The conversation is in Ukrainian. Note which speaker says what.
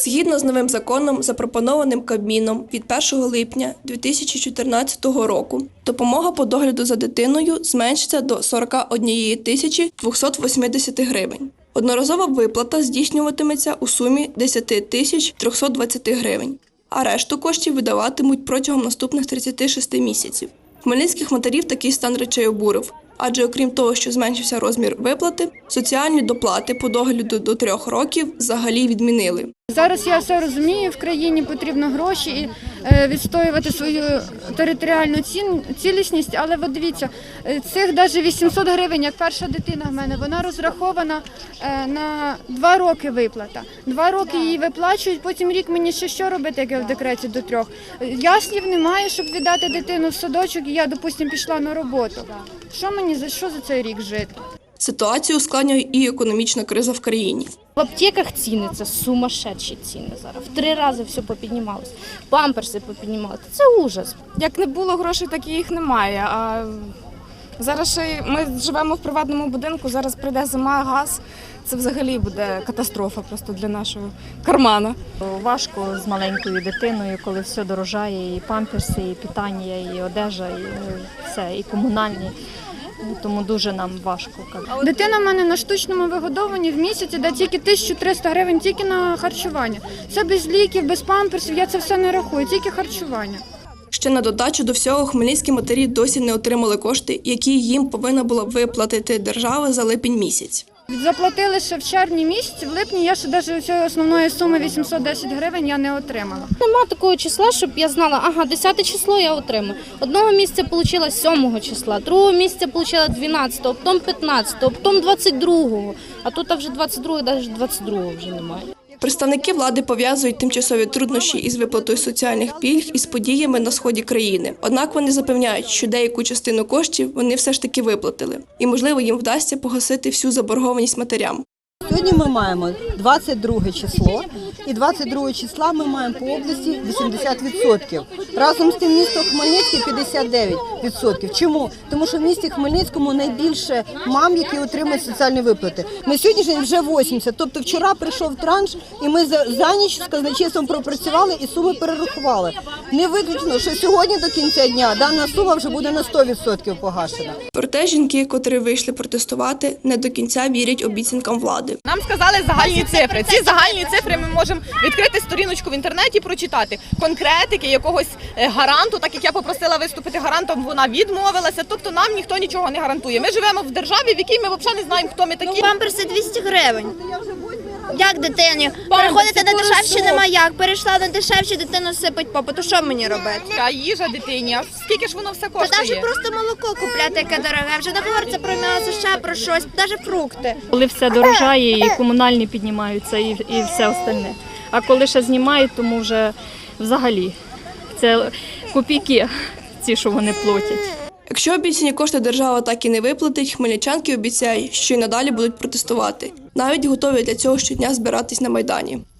Speaker 1: Згідно з новим законом, запропонованим Кабміном від 1 липня 2014 року, допомога по догляду за дитиною зменшиться до 41 тисячі 280 гривень. Одноразова виплата здійснюватиметься у сумі 10 тисяч 320 гривень, а решту коштів видаватимуть протягом наступних 36 місяців. Хмельницьких матерів такий стан речей обурив, адже окрім того, що зменшився розмір виплати, соціальні доплати по догляду до 3 років взагалі відмінили.
Speaker 2: Зараз я все розумію, в країні потрібно гроші і відстоювати свою територіальну цілісність, але от дивіться, цих навіть 800 гривень, як перша дитина в мене, вона розрахована на 2 роки виплата. 2 роки її виплачують, потім рік мені ще що робити, як я в декреті до 3. Яслів немає, щоб віддати дитину в садочок, і я, допустимо, пішла на роботу. Що за цей рік жити?
Speaker 1: Ситуацію ускладнює і економічна криза в країні.
Speaker 3: В аптеках ціни – це сумасшедші ціни зараз. В 3 рази все попіднімалось. Памперси попіднімалися. Це ужас.
Speaker 4: Як не було грошей, так і їх немає. А зараз ще ми живемо в приватному будинку, зараз прийде зима, газ. Це взагалі буде катастрофа просто для нашого кармана.
Speaker 5: Важко з маленькою дитиною, коли все дорожає, і памперси, і питання, і одежа, і все, і комунальні. Тому дуже нам важко.
Speaker 2: Дитина в мене на штучному вигодовуванні в місяці йде тільки 1300 гривень тільки на харчування. Це без ліків, без памперсів, я це все не рахую, тільки харчування.
Speaker 1: Ще на додачу до всього хмельницькі матері досі не отримали кошти, які їм повинна була виплатити держава за липень місяць.
Speaker 2: Заплатили ще в червні місяці, в липні я ще навіть цієї основної суми 810 гривень я не отримала.
Speaker 3: Нема такого числа, щоб я знала, 10 число я отримаю. Одного місяця отримала 7 числа, другого місяця отримала 12-го, потім 15-го, потім 22-го. А тут вже 22-го, навіть 22-го вже немає.
Speaker 1: Представники влади пов'язують тимчасові труднощі із виплатою соціальних пільг із подіями на сході країни. Однак вони запевняють, що деяку частину коштів вони все ж таки виплатили. І, можливо, їм вдасться погасити всю заборгованість матерям.
Speaker 6: Сьогодні ми маємо 22 число, і 22 числа ми маємо по області 80%. Разом з тим місто Хмельницький 59%. Чому? Тому що в місті Хмельницькому найбільше мам, які отримують соціальні виплати. На сьогоднішній день вже 80%. Тобто вчора прийшов транш, і ми за ніч з казначейством пропрацювали і суми перерахували. Не виключно, що сьогодні до кінця дня дана сума вже буде на 100% погашена.
Speaker 1: Проте жінки, котрі вийшли протестувати, не до кінця вірять обіцянкам влади.
Speaker 4: Нам сказали загальні цифри. Ці загальні цифри ми можемо відкрити сторіночку в інтернеті і прочитати. Конкретики якогось гаранту, так як я попросила виступити гарантом, вона відмовилася. Тобто нам ніхто нічого не гарантує. Ми живемо в державі, в якій ми взагалі не знаємо, хто ми такі.
Speaker 7: Памперси 200 гривень. Як дитині? Переходити на дешевші нема як. Перейшла на дешевші, дитину сипить попу. То що мені робити?
Speaker 4: А їжа дитині, а скільки ж воно все
Speaker 7: Та
Speaker 4: коштує?
Speaker 7: навіть просто молоко купляти, яке дороге. Вже не говориться про м'ясо, ще про щось, навіть фрукти.
Speaker 5: Коли все дорожає, і комунальні піднімаються, і все остальне. А коли ще знімають, тому вже взагалі це копійки ці, що вони платять.
Speaker 1: Якщо обіцяні кошти держава так і не виплатить, хмельничанки обіцяють, що й надалі будуть протестувати. Навіть готові для цього щодня збиратись на Майдані.